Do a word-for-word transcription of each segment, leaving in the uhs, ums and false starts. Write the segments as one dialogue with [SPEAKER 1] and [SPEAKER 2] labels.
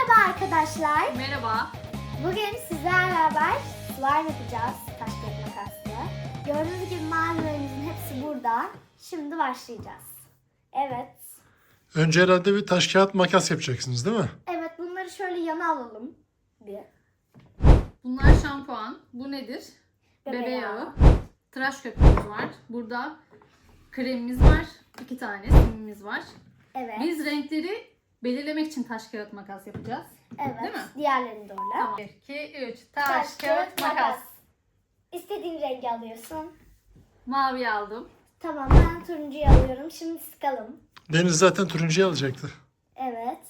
[SPEAKER 1] Merhaba arkadaşlar.
[SPEAKER 2] Merhaba.
[SPEAKER 1] Bugün sizlerle beraber slime yapacağız. Taş kağıt makasla. Gördüğünüz gibi malzemelerimizin hepsi burada. Şimdi başlayacağız. Evet.
[SPEAKER 3] Önce herhalde bir taş kağıt makas yapacaksınız değil mi?
[SPEAKER 1] Evet, bunları şöyle yana alalım. Bir.
[SPEAKER 2] Bunlar şampuan. Bu nedir?
[SPEAKER 1] Bebe
[SPEAKER 2] Bebe
[SPEAKER 1] yağı.
[SPEAKER 2] yağı. Tıraş köpüğümüz var. Burada kremimiz var. İki tane simimiz var.
[SPEAKER 1] Evet.
[SPEAKER 2] Biz renkleri belirlemek için taş kağıt makas yapacağız.
[SPEAKER 1] Evet.
[SPEAKER 2] Değil mi?
[SPEAKER 1] Diğerlerini de öyle.
[SPEAKER 2] Tamam. bir, iki, üç. Taş, kağıt, makas.
[SPEAKER 1] İstediğin rengi alıyorsun.
[SPEAKER 2] Mavi aldım.
[SPEAKER 1] Tamam, ben turuncuyu alıyorum. Şimdi sıkalım.
[SPEAKER 3] Deniz zaten turuncuyu alacaktı.
[SPEAKER 1] Evet.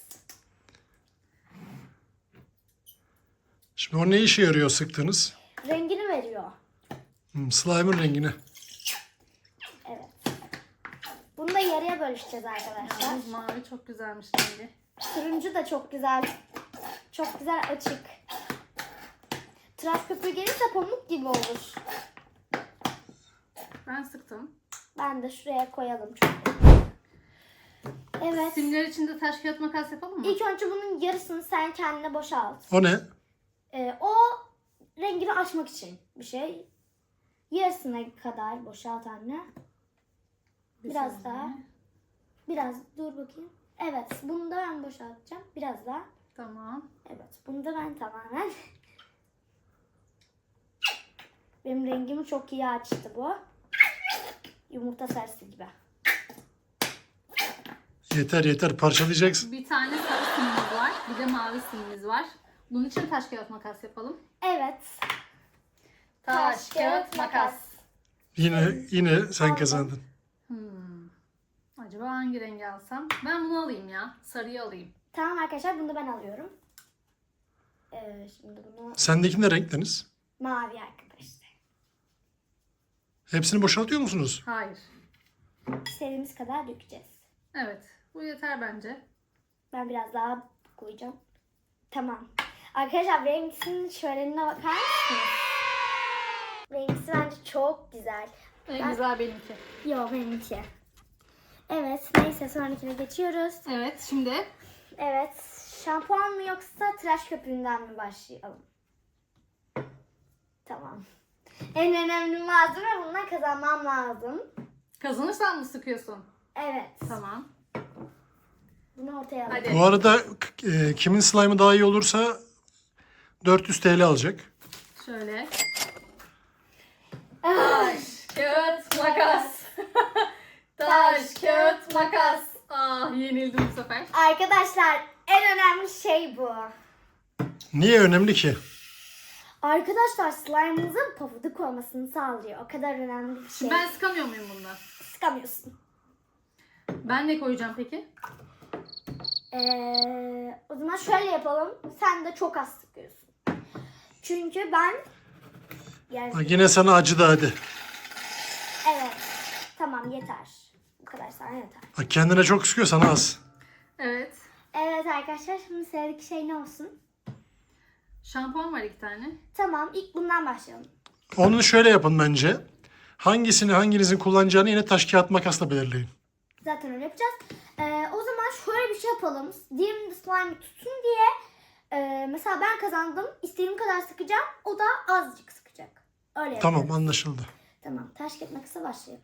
[SPEAKER 3] Şimdi o ne işe yarıyor sıktığınız?
[SPEAKER 1] Rengini veriyor.
[SPEAKER 3] Hmm, slime'ın rengini.
[SPEAKER 1] Evet. Bunu da yarıya bölüşeceğiz arkadaşlar.
[SPEAKER 2] Yalnız mavi çok güzelmiş rengi.
[SPEAKER 1] Turuncu da çok güzel. Çok güzel açık. Tıraş köpüğü gelirse pamuk gibi olur.
[SPEAKER 2] Ben sıktım.
[SPEAKER 1] Ben de şuraya koyalım çünkü. Evet.
[SPEAKER 2] Simler için de taş kağıt makas yapalım mı?
[SPEAKER 1] İlk önce bunun yarısını sen kendine boşalt.
[SPEAKER 3] O ne?
[SPEAKER 1] Ee, o rengini açmak için bir şey. Yarısına kadar boşalt anne.
[SPEAKER 2] Bir
[SPEAKER 1] Biraz
[SPEAKER 2] saniye.
[SPEAKER 1] daha. Biraz dur bakayım. Evet, bunu da ben boşaltacağım. Biraz daha.
[SPEAKER 2] Tamam.
[SPEAKER 1] Evet, bunu da ben tamamen. Benim rengimi çok iyi açtı bu. Yumurta sarısı gibi.
[SPEAKER 3] Yeter yeter parçalayacaksın.
[SPEAKER 2] Bir tane sarı simimiz var. Bir de mavi simimiz var. Bunun için taş kağıt makas yapalım.
[SPEAKER 1] Evet.
[SPEAKER 2] Taş, kağıt, makas.
[SPEAKER 3] Yine yine sen
[SPEAKER 1] Aldım.
[SPEAKER 3] kazandın.
[SPEAKER 2] Hmm. Acaba hangi rengi alsam? Ben bunu alayım ya. Sarıyı alayım.
[SPEAKER 1] Tamam arkadaşlar, bunu da ben alıyorum. Ee, şimdi bunu
[SPEAKER 3] Sendeki ne renk Deniz?
[SPEAKER 1] mavi arkadaşlar.
[SPEAKER 3] Hepsini boşaltıyor musunuz?
[SPEAKER 2] Hayır.
[SPEAKER 1] İstediğimiz kadar dökeceğiz.
[SPEAKER 2] Evet. Bu yeter bence.
[SPEAKER 1] Ben biraz daha koyacağım. Tamam. Arkadaşlar rengisinin şölenine bakar mısınız? Rengisi bence çok güzel.
[SPEAKER 2] En
[SPEAKER 1] Ben-
[SPEAKER 2] güzel benimki.
[SPEAKER 1] Yok, benimki. Evet, neyse sonrakine geçiyoruz.
[SPEAKER 2] Evet. Şimdi
[SPEAKER 1] Evet, şampuan mı yoksa tıraş köpüğünden mi başlayalım? Tamam. En önemli malzeme, bundan kazanmam lazım.
[SPEAKER 2] kazanırsan mı sıkıyorsun?
[SPEAKER 1] Evet.
[SPEAKER 2] Tamam.
[SPEAKER 1] Bunu ortaya alalım.
[SPEAKER 2] Hadi.
[SPEAKER 3] Bu arada e, kimin slime'ı daha iyi olursa dört yüz T L alacak.
[SPEAKER 2] Şöyle. Taş, kağıt, makas. Taş, kağıt, makas. Ah, yenildim bu sefer.
[SPEAKER 1] Arkadaşlar, en önemli şey bu.
[SPEAKER 3] Niye önemli ki?
[SPEAKER 1] Arkadaşlar, slime'ınızın pofuduk olmasını sağlıyor. O kadar önemli bir şey.
[SPEAKER 2] Ben sıkamıyor muyum bundan?
[SPEAKER 1] Sıkamıyorsun.
[SPEAKER 2] Ben ne koyacağım peki?
[SPEAKER 1] Ee, o zaman şöyle yapalım. Sen de çok az sıkıyorsun. Çünkü ben... Yani,
[SPEAKER 3] Ha, yine sana acıdı hadi.
[SPEAKER 1] evet. Tamam, yeter. Bu kadar sana yeter.
[SPEAKER 3] Ha, kendine çok sıkıyor sana az.
[SPEAKER 2] Evet.
[SPEAKER 1] Evet arkadaşlar, şimdi sıradaki şey ne olsun?
[SPEAKER 2] Şampuan var iki tane.
[SPEAKER 1] Tamam, ilk bundan başlayalım.
[SPEAKER 3] Onu şöyle yapın bence. Hangisini hanginizin kullanacağını yine taş kağıt makasla belirleyin.
[SPEAKER 1] Zaten öyle yapacağız. Ee, o zaman şöyle bir şey yapalım. Diğerinin slime tutsun diye e, mesela ben kazandım. İstediğim kadar sıkacağım. O da azıcık sıkacak. Öyle yapalım.
[SPEAKER 3] Tamam anlaşıldı.
[SPEAKER 1] Tamam. Taş kağıt makasa başlayalım.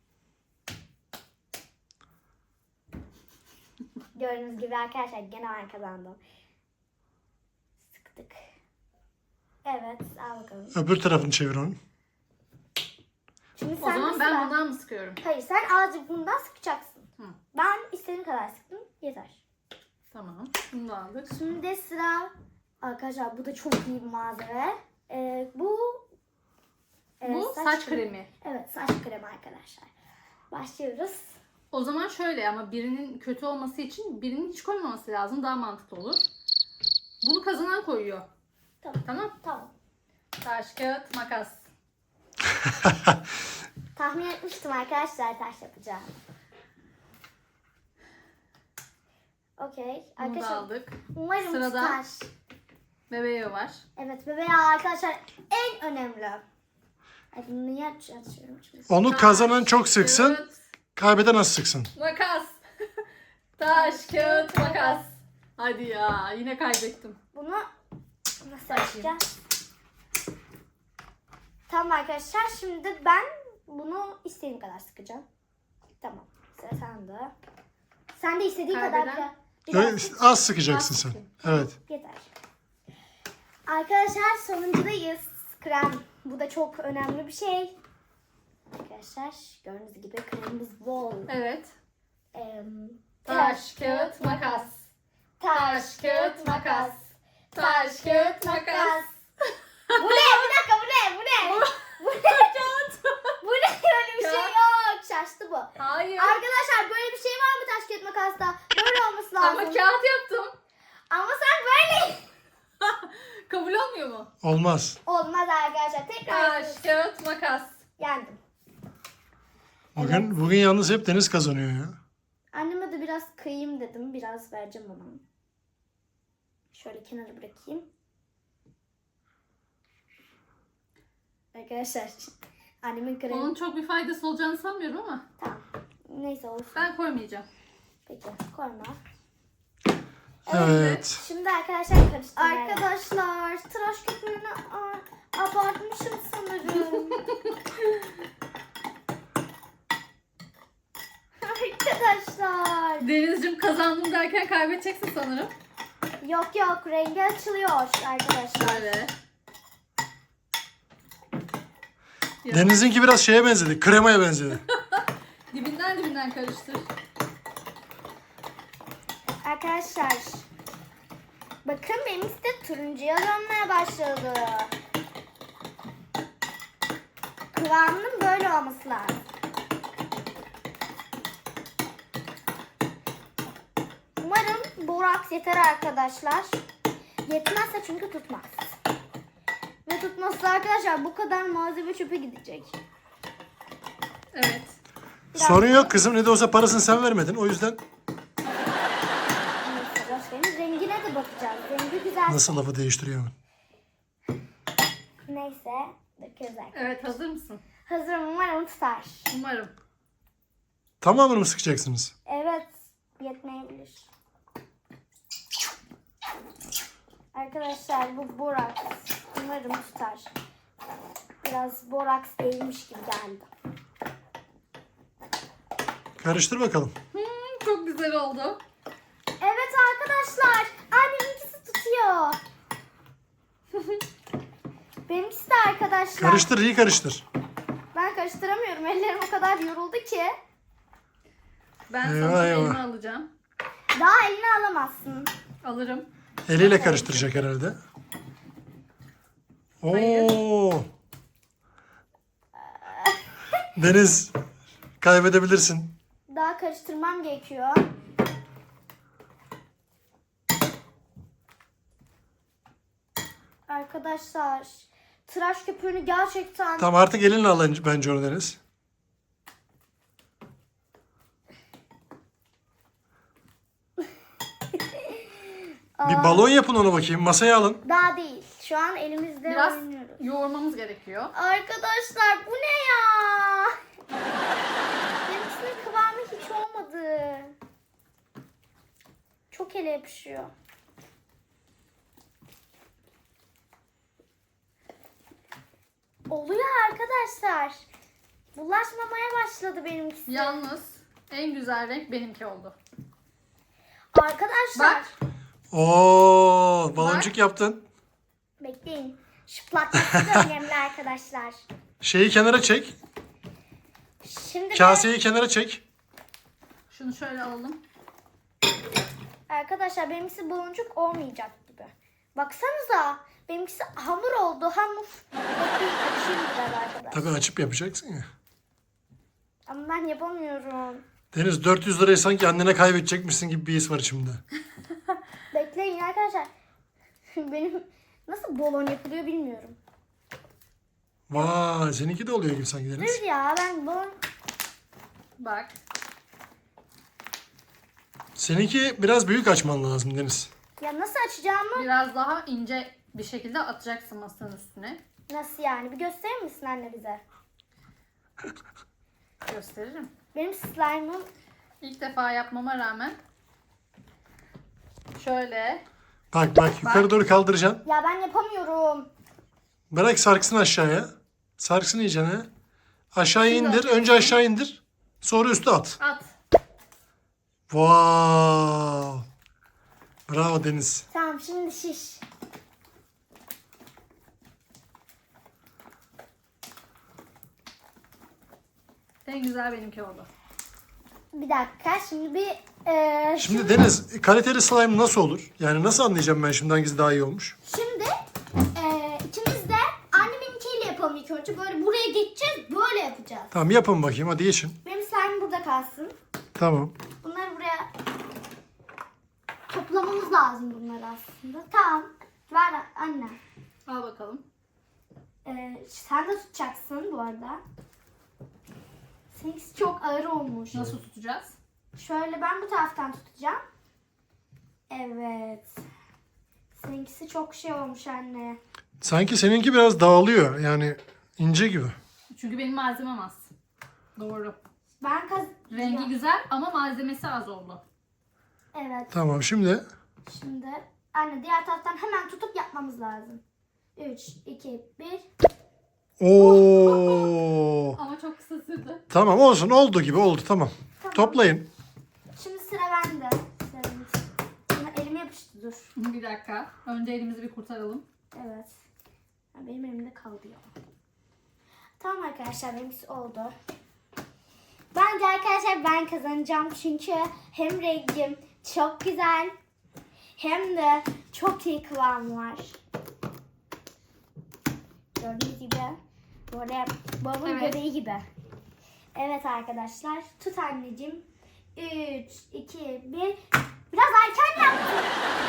[SPEAKER 1] Gördüğünüz gibi arkadaşlar gene ben kazandım. Sıktık. Evet, al bakalım.
[SPEAKER 3] Öbür tarafını çevir onu.
[SPEAKER 1] Şimdi
[SPEAKER 2] O
[SPEAKER 1] sen
[SPEAKER 2] zaman
[SPEAKER 1] de
[SPEAKER 2] ben
[SPEAKER 1] sıra-
[SPEAKER 2] bundan mı sıkıyorum?
[SPEAKER 1] Hayır, sen azıcık bundan sıkacaksın.
[SPEAKER 2] Hı.
[SPEAKER 1] Ben istediğim kadar sıktım. Yeter.
[SPEAKER 2] Tamam. Bunu da aldık.
[SPEAKER 1] Şimdi sıra... Arkadaşlar bu da çok iyi bir malzeme. Ee, bu... e,
[SPEAKER 2] Bu saç kremi.
[SPEAKER 1] Evet, saç kremi arkadaşlar. Başlıyoruz.
[SPEAKER 2] O zaman şöyle, ama birinin kötü olması için birinin hiç koymaması lazım. Daha mantıklı olur. Bunu kazanan koyuyor.
[SPEAKER 1] Tamam.
[SPEAKER 2] Tamam.
[SPEAKER 1] Tamam.
[SPEAKER 2] Taş, kağıt, makas.
[SPEAKER 1] Tahmin etmiştim arkadaşlar taş yapacağım. Okey.
[SPEAKER 2] Bunu da
[SPEAKER 1] Arkadaşlar
[SPEAKER 2] aldık.
[SPEAKER 1] umarım
[SPEAKER 2] Sırada-
[SPEAKER 1] tutar.
[SPEAKER 2] Bebeği var.
[SPEAKER 1] Evet, bebeği arkadaşlar en önemli. Ay, bunu niye aç- açıyorum şimdi?
[SPEAKER 3] Onu kazanan çok sıksın,
[SPEAKER 2] Kağıt,
[SPEAKER 3] kaybeden az sıksın.
[SPEAKER 2] makas. Taş, kağıt, makas. Hadi ya, yine kaybettim.
[SPEAKER 1] Bunu nasıl açacağız? Tamam arkadaşlar, şimdi ben bunu istediğim kadar sıkacağım. Tamam, sıra sende. Sen de istediğin kadar
[SPEAKER 2] Kaybeden-
[SPEAKER 1] biraz
[SPEAKER 3] Evet,
[SPEAKER 1] sık.
[SPEAKER 3] az sıkacaksın
[SPEAKER 2] Az
[SPEAKER 3] sen.
[SPEAKER 2] sıkayım.
[SPEAKER 3] Evet.
[SPEAKER 1] Yeter. Arkadaşlar sonuncudayız. Krem. Bu da çok önemli bir şey. Arkadaşlar gördüğünüz gibi kremimiz bol.
[SPEAKER 2] Evet.
[SPEAKER 1] Em,
[SPEAKER 2] Taş, kağıt, makas. Taş, kağıt, makas. Taş, kağıt, makas.
[SPEAKER 1] Bu ne? Bir dakika, bu ne? Bu ne? Bu ne? Bu ne? Öyle bir şey
[SPEAKER 2] Kağıt.
[SPEAKER 1] yok. Şaştı bu.
[SPEAKER 2] Hayır.
[SPEAKER 1] Arkadaşlar böyle bir şey var mı taş kağıt makasta? Böyle olması lazım.
[SPEAKER 2] Ama kağıt yaptım.
[SPEAKER 1] Ama sen böyle.
[SPEAKER 2] Kabul olmuyor mu?
[SPEAKER 3] Olmaz.
[SPEAKER 1] Olmaz arkadaşlar. Tekrar
[SPEAKER 2] Taş,
[SPEAKER 1] yapıyoruz.
[SPEAKER 2] kağıt, makas.
[SPEAKER 1] Yendim.
[SPEAKER 3] Bugün bugün yalnız hep Deniz kazanıyor ya.
[SPEAKER 1] Anneme de biraz kıyayım dedim. Biraz vereceğim ona. Şöyle kenara bırakayım. Arkadaşlar annemin kremi.
[SPEAKER 2] Onun çok bir faydası olacağını sanmıyorum ama
[SPEAKER 1] Tamam. Neyse olsun.
[SPEAKER 2] ben koymayacağım.
[SPEAKER 1] Peki koyma.
[SPEAKER 3] Evet.
[SPEAKER 1] Şimdi arkadaşlar karıştırmaya. Arkadaşlar tıraş köpüğünü a- abartmışım sanırım. Arkadaşlar.
[SPEAKER 2] Denizciğim kazandım derken kaybedeceksin sanırım.
[SPEAKER 1] Yok yok, rengi açılıyor arkadaşlar.
[SPEAKER 2] Şöyle. Ya,
[SPEAKER 3] Deniz'inki biraz şeye benzedi. Kremaya benzedi.
[SPEAKER 2] dibinden dibinden karıştır.
[SPEAKER 1] Arkadaşlar bakın benim de turuncuya dönmeye başladı. Kıvamının böyle olması lazım. Umarım boraks yeter arkadaşlar. Yetmezse çünkü tutmaz. Ve tutmazsa arkadaşlar bu kadar malzeme çöpe gidecek.
[SPEAKER 2] Evet.
[SPEAKER 3] Sorun yok kızım. Ne de olsa parasını sen vermedin. O yüzden
[SPEAKER 1] Neyse boş verin. Rengine de bakacağız. Rengi güzel.
[SPEAKER 3] nasıl lafı değiştiriyor hemen.
[SPEAKER 1] Neyse. Döküyoruz arkadaşlar.
[SPEAKER 2] Evet, hazır mısın?
[SPEAKER 1] Hazırım, umarım tutar.
[SPEAKER 2] Umarım.
[SPEAKER 3] Tamamını mı sıkacaksınız?
[SPEAKER 1] Evet, yetmeyebilir. Arkadaşlar bu boraks. Umarım tutar. Biraz boraks değilmiş gibi geldi.
[SPEAKER 3] Karıştır bakalım.
[SPEAKER 2] Hmm, çok güzel oldu.
[SPEAKER 1] Evet arkadaşlar, anneminkisi tutuyor. Benimkisi de arkadaşlar.
[SPEAKER 3] Karıştır, iyi karıştır.
[SPEAKER 1] Ben karıştıramıyorum. Ellerim o kadar yoruldu ki.
[SPEAKER 2] Ben
[SPEAKER 3] Eyvah,
[SPEAKER 2] sana
[SPEAKER 3] eyvah.
[SPEAKER 2] elime alacağım.
[SPEAKER 1] Daha elini alamazsın.
[SPEAKER 2] Alırım.
[SPEAKER 3] Eliyle karıştıracak herhalde.
[SPEAKER 2] Hayır.
[SPEAKER 3] Oo. Deniz, kaybedebilirsin.
[SPEAKER 1] Daha karıştırmam gerekiyor. Arkadaşlar, tıraş köpüğünü gerçekten
[SPEAKER 3] Tamam artık elinle al bence onu Deniz. Bir balon yapın ona bakayım. Masaya alın.
[SPEAKER 1] daha değil. Şu an elimizde
[SPEAKER 2] Biraz
[SPEAKER 1] oynuyoruz.
[SPEAKER 2] yoğurmamız gerekiyor.
[SPEAKER 1] Arkadaşlar bu ne ya? Benimkisinin kıvamı hiç olmadı. Çok ele yapışıyor. Oluyor arkadaşlar. Bulaşmamaya başladı benimkisi.
[SPEAKER 2] Yalnız en güzel renk benimki oldu.
[SPEAKER 1] Arkadaşlar.
[SPEAKER 2] Bak.
[SPEAKER 3] Oo, baloncuk yaptın.
[SPEAKER 1] Bekleyin. Şıplatması da önemli arkadaşlar.
[SPEAKER 3] Şeyi kenara çek.
[SPEAKER 1] Şimdi de-
[SPEAKER 3] Kaseyi kenara çek.
[SPEAKER 2] Şunu şöyle alalım.
[SPEAKER 1] arkadaşlar benimkisi baloncuk olmayacak gibi. Baksanıza. Benimkisi hamur oldu. Hamur. Bekleyin, açayım biraz arkadaşlar.
[SPEAKER 3] Tabii açıp yapacaksın ya.
[SPEAKER 1] Ama ben yapamıyorum.
[SPEAKER 3] Deniz dört yüz lirayı sanki annene kaybedecekmişsin gibi bir his var içimde.
[SPEAKER 1] Bekleyin arkadaşlar. Benim nasıl balon yapılıyor bilmiyorum.
[SPEAKER 3] Vay, seninki de oluyor gibi sanki Deniz.
[SPEAKER 1] Dur ya, ben balon...
[SPEAKER 2] Bak.
[SPEAKER 3] Seninki biraz büyük açman lazım Deniz.
[SPEAKER 1] Ya nasıl açacağımı
[SPEAKER 2] Biraz daha ince bir şekilde atacaksın masanın üstüne.
[SPEAKER 1] nasıl yani? Bir gösterir misin anne bize?
[SPEAKER 2] Gösteririm.
[SPEAKER 1] Benim slime'ım
[SPEAKER 2] İlk defa yapmama rağmen Şöyle.
[SPEAKER 3] Bak bak yukarı doğru kaldıracaksın.
[SPEAKER 1] Ya ben yapamıyorum.
[SPEAKER 3] Bırak sarksın aşağıya. Sarksın iyicene. Aşağıya
[SPEAKER 2] Şimdi
[SPEAKER 3] indir. Önce aşağı indir. Sonra üstü at.
[SPEAKER 2] At.
[SPEAKER 3] Wow. Bravo Deniz.
[SPEAKER 1] Tamam şimdi şiş.
[SPEAKER 2] En güzel benimki oldu.
[SPEAKER 1] Bir dakika şimdi bir e,
[SPEAKER 3] Şimdi Deniz kaliteli slime nasıl olur? Yani nasıl anlayacağım ben şimdi hangisi daha iyi olmuş?
[SPEAKER 1] Şimdi e, ikimiz de anneminkiyle yapalım ilk önce. Böyle buraya geçeceğiz, böyle yapacağız.
[SPEAKER 3] Tamam yapın bakayım hadi geçin.
[SPEAKER 1] Benim slime burada kalsın.
[SPEAKER 3] Tamam.
[SPEAKER 1] Bunları buraya toplamamız lazım bunları aslında. Tamam. Ver anne.
[SPEAKER 2] Al bakalım.
[SPEAKER 1] E, sen de tutacaksın bu arada. Seninkisi çok ağır olmuş.
[SPEAKER 2] Nasıl tutacağız?
[SPEAKER 1] Şöyle ben bu taraftan tutacağım. Evet. Seninkisi çok şey olmuş anne.
[SPEAKER 3] Sanki seninki biraz dağılıyor. Yani ince gibi.
[SPEAKER 2] Çünkü benim malzemem az. Doğru.
[SPEAKER 1] Ben kaz...
[SPEAKER 2] Rengi
[SPEAKER 1] Ya,
[SPEAKER 2] güzel ama malzemesi az oldu.
[SPEAKER 1] Evet.
[SPEAKER 3] Tamam şimdi.
[SPEAKER 1] Şimdi anne diğer taraftan hemen tutup yapmamız lazım. üç, iki, bir.
[SPEAKER 3] Oo.
[SPEAKER 2] Ama çok kısa sürdü.
[SPEAKER 3] Tamam olsun oldu gibi oldu tamam.
[SPEAKER 1] Tamam.
[SPEAKER 3] Toplayın.
[SPEAKER 1] Şimdi sıra bende. Sıra bende. Ama elime yapıştı dur.
[SPEAKER 2] Bir dakika. Önce elimizi bir kurtaralım.
[SPEAKER 1] Evet. Ya benim elimde kaldı ya. Tamam arkadaşlar benimkisi oldu. Bence arkadaşlar ben kazanacağım çünkü hem rengim çok güzel hem de çok iyi kıvam var. Gördüğünüz gibi böyle babamın
[SPEAKER 2] Evet.
[SPEAKER 1] göbeği gibi. Evet arkadaşlar tut anneciğim. üç, iki, bir. Biraz erken yaptım.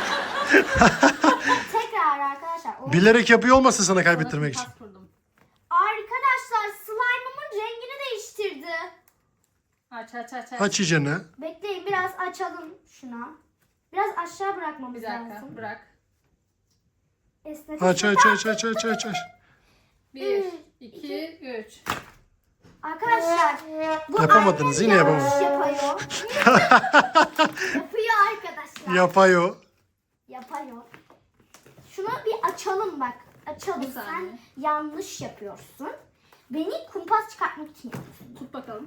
[SPEAKER 1] Tekrar arkadaşlar. O-
[SPEAKER 3] Bilerek yapıyor olmasın sana
[SPEAKER 2] Sana
[SPEAKER 3] kaybettirmek için.
[SPEAKER 2] kumpas kurdum.
[SPEAKER 1] Arkadaşlar slime'ımın rengini değiştirdi.
[SPEAKER 2] Aç aç aç aç.
[SPEAKER 3] Aç iyicene.
[SPEAKER 1] Bekleyin biraz açalım şuna. Biraz aşağı bırakmamız
[SPEAKER 2] Bir dakika
[SPEAKER 1] lazım.
[SPEAKER 2] bırak.
[SPEAKER 1] Esnet
[SPEAKER 3] Aç
[SPEAKER 1] esnet.
[SPEAKER 3] aç aç aç aç aç aç.
[SPEAKER 2] Bir,
[SPEAKER 1] Üç,
[SPEAKER 2] iki, üç.
[SPEAKER 1] Arkadaşlar bu
[SPEAKER 3] Yapamadınız,
[SPEAKER 1] annem
[SPEAKER 3] yine
[SPEAKER 1] yanlış
[SPEAKER 3] yapamadınız.
[SPEAKER 1] yapıyor. Yapıyor arkadaşlar.
[SPEAKER 3] Yapıyor.
[SPEAKER 1] Yapıyor. Şunu bir açalım bak. Açalım.
[SPEAKER 2] Bir saniye.
[SPEAKER 1] Sen yanlış yapıyorsun. Beni kumpas çıkartmak için yapıyorsun.
[SPEAKER 2] Tut bakalım.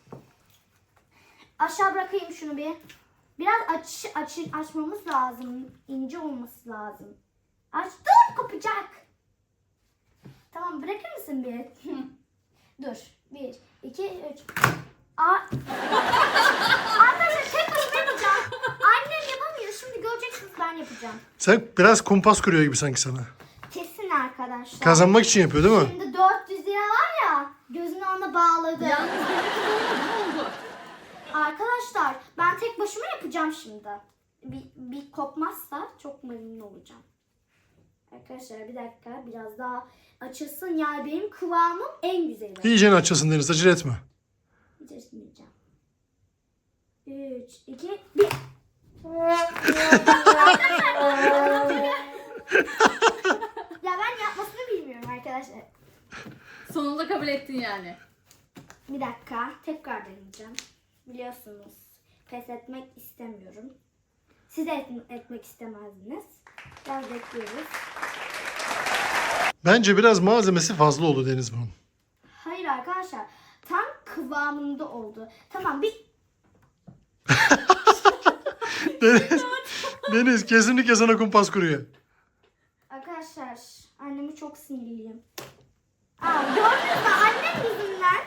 [SPEAKER 1] Aşağı bırakayım şunu bir. Biraz aç, aç, açmamız lazım. İnce olması lazım. Aç. Dur kopacak. Tamam bırakır mısın bir? Dur. Bir, iki, üç. Aa. Arkadaşlar tek başıma yapacağım. Annem yapamıyor. Şimdi göreceksiniz ben yapacağım.
[SPEAKER 3] Sen biraz kumpas kuruyor gibi sanki sana.
[SPEAKER 1] Kesin arkadaşlar.
[SPEAKER 3] Kazanmak için yapıyor değil mi?
[SPEAKER 1] Şimdi dört yüz lira var ya. Gözünü ona bağladı.
[SPEAKER 2] Yalnız benimki de olmadı. Ne oldu?
[SPEAKER 1] Arkadaşlar ben tek başıma yapacağım şimdi. Bir, bir kopmazsa çok memnun olacağım. Arkadaşlar bir dakika biraz daha açılsın. Yani benim kıvamım en güzeli.
[SPEAKER 3] İyicene açılsın Deniz acele etme.
[SPEAKER 1] Hiç açmayacağım. üç, iki, bir. Ya ben yapmasını bilmiyorum arkadaşlar.
[SPEAKER 2] Sonunda kabul ettin yani.
[SPEAKER 1] Bir dakika tekrar deneyeceğim. Biliyorsunuz pes etmek istemiyorum. Siz de et- etmek istemezdiniz. Biraz bekliyoruz.
[SPEAKER 3] Bence biraz malzemesi fazla oldu Deniz bunun.
[SPEAKER 1] Hayır arkadaşlar tam kıvamında oldu. Tamam bir
[SPEAKER 3] Deniz, Deniz kesinlikle sana kumpas kuruyor.
[SPEAKER 1] arkadaşlar annemi çok sinirliyim. Aa, gördünüz mü annem yüzünden.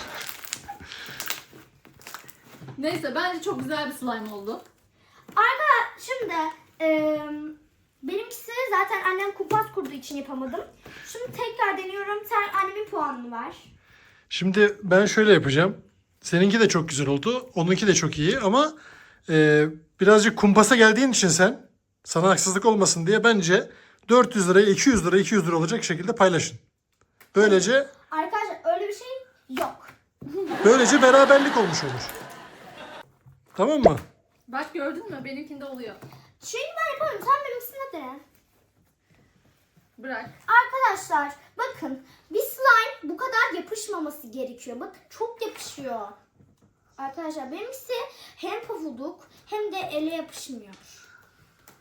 [SPEAKER 2] Neyse bence çok güzel bir slime oldu.
[SPEAKER 1] Arkadaşlar şimdi e, benimkisi zaten annem kumpas kurduğu için yapamadım. Şimdi tekrar deniyorum. Sen annemin puanını ver.
[SPEAKER 3] Şimdi ben şöyle yapacağım. Seninki de çok güzel oldu. Onunki de çok iyi ama e, birazcık kumpasa geldiğin için sen sana haksızlık olmasın diye bence dört yüz liraya iki yüz lira iki yüz lira olacak şekilde paylaşın. Böylece
[SPEAKER 1] Arkadaşlar öyle bir şey yok.
[SPEAKER 3] böylece beraberlik olmuş olur. Tamam mı?
[SPEAKER 2] Bak gördün mü? Benimkinde oluyor.
[SPEAKER 1] Şimdi ben yapamıyorum. Sen benimkisine dene.
[SPEAKER 2] Bırak.
[SPEAKER 1] Arkadaşlar bakın bir slime bu kadar yapışmaması gerekiyor. Bakın çok yapışıyor. Arkadaşlar benimkisi hem pofuduk hem de ele yapışmıyor.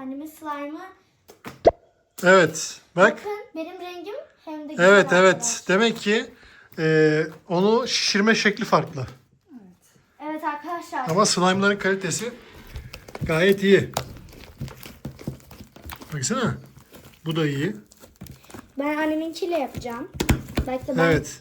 [SPEAKER 1] Annemin slime'ı.
[SPEAKER 3] Evet. Bak.
[SPEAKER 1] Bakın benim rengim hem de güzel
[SPEAKER 3] Evet evet.
[SPEAKER 1] arkadaşlar.
[SPEAKER 3] Demek ki e, onu şişirme şekli farklı.
[SPEAKER 1] Evet arkadaşlar.
[SPEAKER 3] Ama slime'ların kalitesi gayet iyi. Baksana. Bu da iyi.
[SPEAKER 1] Ben anneminkiyle yapacağım. Belki de ben...
[SPEAKER 3] Evet.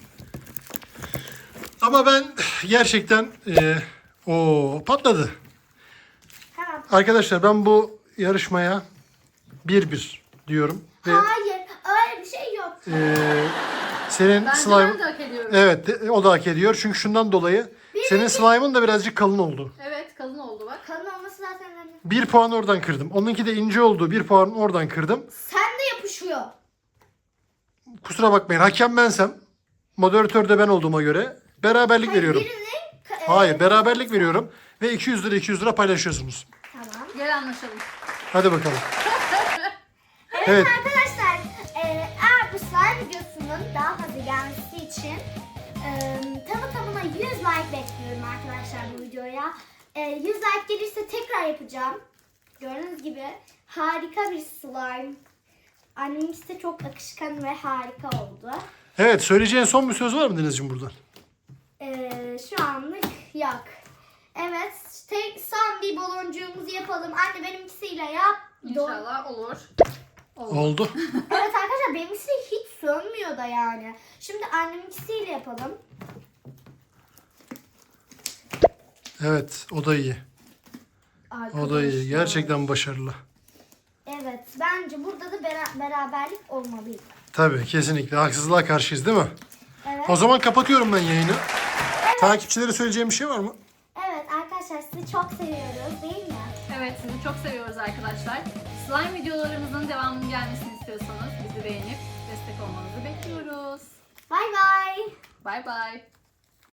[SPEAKER 3] Ama ben gerçekten e, o patladı.
[SPEAKER 1] Ha,
[SPEAKER 3] Arkadaşlar ben bu yarışmaya bir bir diyorum. Ve
[SPEAKER 1] hayır öyle bir şey yok.
[SPEAKER 3] e, senin
[SPEAKER 2] Bence
[SPEAKER 3] slime...
[SPEAKER 2] ben de hak ediyorum.
[SPEAKER 3] Evet de- o da hak ediyor. Çünkü şundan dolayı senin slime'ın da birazcık kalın oldu.
[SPEAKER 2] Evet kalın oldu bak.
[SPEAKER 1] Kalın olması zaten önemli.
[SPEAKER 3] Bir puan oradan kırdım. Onunki de ince oldu. Bir puan oradan kırdım.
[SPEAKER 1] Sen de yapışıyor.
[SPEAKER 3] Kusura bakmayın. Hakem bensem, moderatör de ben olduğuma göre beraberlik
[SPEAKER 1] Hayır,
[SPEAKER 3] veriyorum.
[SPEAKER 1] birinin... ka-
[SPEAKER 3] Hayır,
[SPEAKER 1] e,
[SPEAKER 3] beraberlik veriyorum. Ve iki yüz lira iki yüz lira paylaşıyorsunuz.
[SPEAKER 1] Tamam.
[SPEAKER 2] Gel anlaşalım.
[SPEAKER 3] Hadi bakalım.
[SPEAKER 1] Evet,
[SPEAKER 3] Evet.
[SPEAKER 1] arkadaşlar e, eğer bu slime videosunun daha fazla gelmesi için e, tamı tamına yüz like bekliyorum arkadaşlar bu videoya. E, yüz like gelirse tekrar yapacağım. Gördüğünüz gibi harika bir slime. Annemiz de çok akışkan ve harika oldu.
[SPEAKER 3] Evet, söyleyeceğin son bir söz var mı Denizciğim buradan?
[SPEAKER 1] E, şu anlık yok. Evet, tek son bir baloncuğumuzu yapalım. Anne benimkisiyle yap.
[SPEAKER 2] İnşallah olur. Olur.
[SPEAKER 3] Oldu.
[SPEAKER 1] Evet arkadaşlar benimkisi hiç sönmüyor da yani. Şimdi anneminkisiyle yapalım.
[SPEAKER 3] Evet, o da iyi. O da iyi.
[SPEAKER 1] Arkadaşlar.
[SPEAKER 3] Gerçekten başarılı.
[SPEAKER 1] Evet bence burada da bera- beraberlik olmalıydı.
[SPEAKER 3] Tabii, kesinlikle. Haksızlığa karşıyız değil mi?
[SPEAKER 1] Evet.
[SPEAKER 3] O zaman kapatıyorum ben yayını. Takipçilere söyleyeceğim bir şey var mı?
[SPEAKER 1] Evet arkadaşlar sizi çok seviyoruz değil mi?
[SPEAKER 2] Evet sizi çok seviyoruz arkadaşlar. Slime videolarımızın devamının gelmesini istiyorsanız bizi beğenip destek olmanızı bekliyoruz.
[SPEAKER 1] Bay bay.
[SPEAKER 2] Bay bay.